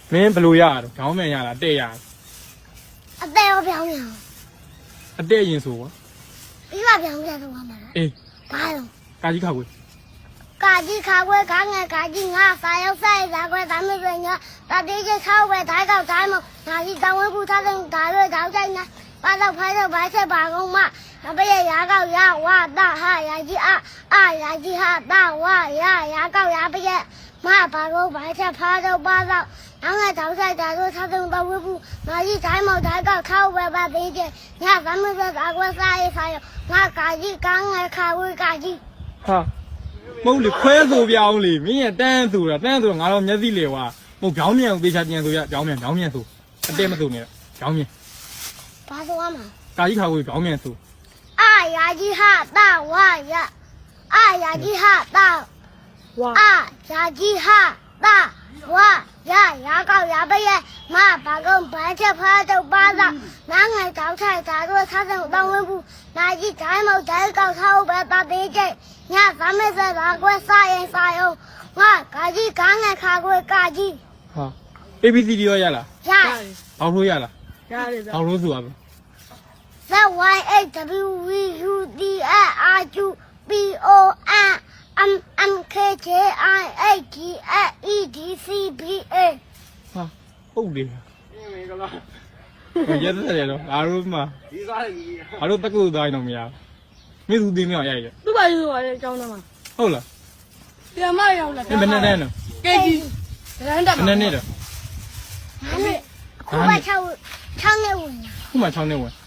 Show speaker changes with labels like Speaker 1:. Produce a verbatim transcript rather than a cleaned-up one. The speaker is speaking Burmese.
Speaker 1: မင်းဘယ်လိုရတော့ခေါင်းမြန်ရလားတဲ့ရ
Speaker 2: အသေးရောပြောင်းရအောင်
Speaker 1: အတဲ့ရင်ဆိုကွာ
Speaker 2: ပြီးပါပြောင်းပြတော့မှာလား
Speaker 1: အေး
Speaker 2: ဘာလို့
Speaker 1: ကာကြီးခါကွေး
Speaker 2: ကာကြီးခါခွဲခါငယ်ကာကြီးငါစာရောက်ဆိုင်ဇာခွဲဒါမျိုးဆိုညာတတိကျချောက်ပဲဓာတ်ကောက်ဓာတ်မငါကြီးတောင်းဝဲပူထားတဲ့ဓာတ်ရွေးဓာတ်တိုင်းနာပါတော့ဖိုင်းတော့ဘာချက်ပါကုန်မနဘရဲ့ရာကောက်ရဝတာဟာရာကြီးအအာရာကြီးဟာတာဝရရာကောက်ရပရဲ့မပါတော့ဘာချက်ဖားတော့ပါတော့နောက်ငါဓာတ်ဆိုင်ဓာတ်ရွေးထားတဲ့တော့ဝဲပူငါကြီးဓာတ်မောက်ဓာတ်ကောက်ထောက်ပဲပါသေးတယ်ညဘာမျိုးဆိုဓာတ်ခွဲစားရေးဆိုင်ငါကာကြီးကငယ်ခါဝဲကာကြီး
Speaker 1: ဟာမဟုတ်လေခွဲဆိုပြောင်းလေမင်းရတန်းဆိုတာတန်းဆိုတော့ငါတော့မျက်စိလေကွာမဟုတ်ခေါင်းမြန်ကိုသေချာပြန်ဆိုရခေါင်းမြန်ခေါင်းမြန်ဆိုအတဲ့မဆိုနဲ့ခေါင်းမြန်
Speaker 2: ဘာဆိုရမှာ
Speaker 1: ကာကြီးခါကွေးခေါင်းမြန်ဆို
Speaker 2: အာရာကြီးဟာတာဝရအာရာကြီးဟာတာဝအာရာကြီးဟာတာဝရရာကောက်ရပရဲ့မဘာကုန်ဘာချက်ဖားတော့ပါတော့နားငယ်တောက်ထိုက်တာတို့ထားတဲ့တောင်းဝဲဘူးနာကြီးဒိုင်းမောက်ဒိုင်းကောက်ထားပဲတာသေးကျညသမက်စရာကွဲစားရင်စားအောင်ငါကာကြီးကားငယ်ခါကွဲကာကြီး
Speaker 1: ဟာ A B C D ရောရလား
Speaker 2: ရ
Speaker 1: ဘောက်လို့ရလား
Speaker 3: ရတယ်ဗျာ
Speaker 1: ဘောက်လို့ဆိုရပါ
Speaker 2: Z Y A W V U D R Q P O N M M K J I A G E D C B A
Speaker 1: ဟာဟုတ်တယ်ရက်သက်တယ်တော့အားလုံးမှာဒီစားတယ်ကြီးအားလုံးတက္ကသိုလ်သားရင်တော့မရဘူးမင်းသူသိမအောင်ရိုက်တယ်
Speaker 3: သူ့ဘာလို့ဆိုရလဲအကြောင်းသားမှာ
Speaker 1: ဟုတ်လား
Speaker 3: ပြန်မရောက်လာ
Speaker 1: မင်းဘယ်နဲ့တန်းတော့
Speaker 3: ကေကြီးရန်တာ
Speaker 1: ဘယ်နဲ့နဲ့တော့
Speaker 2: ခုမှ6 6နှစ်ဝင်
Speaker 1: ခုမှ6နှစ်ဝင်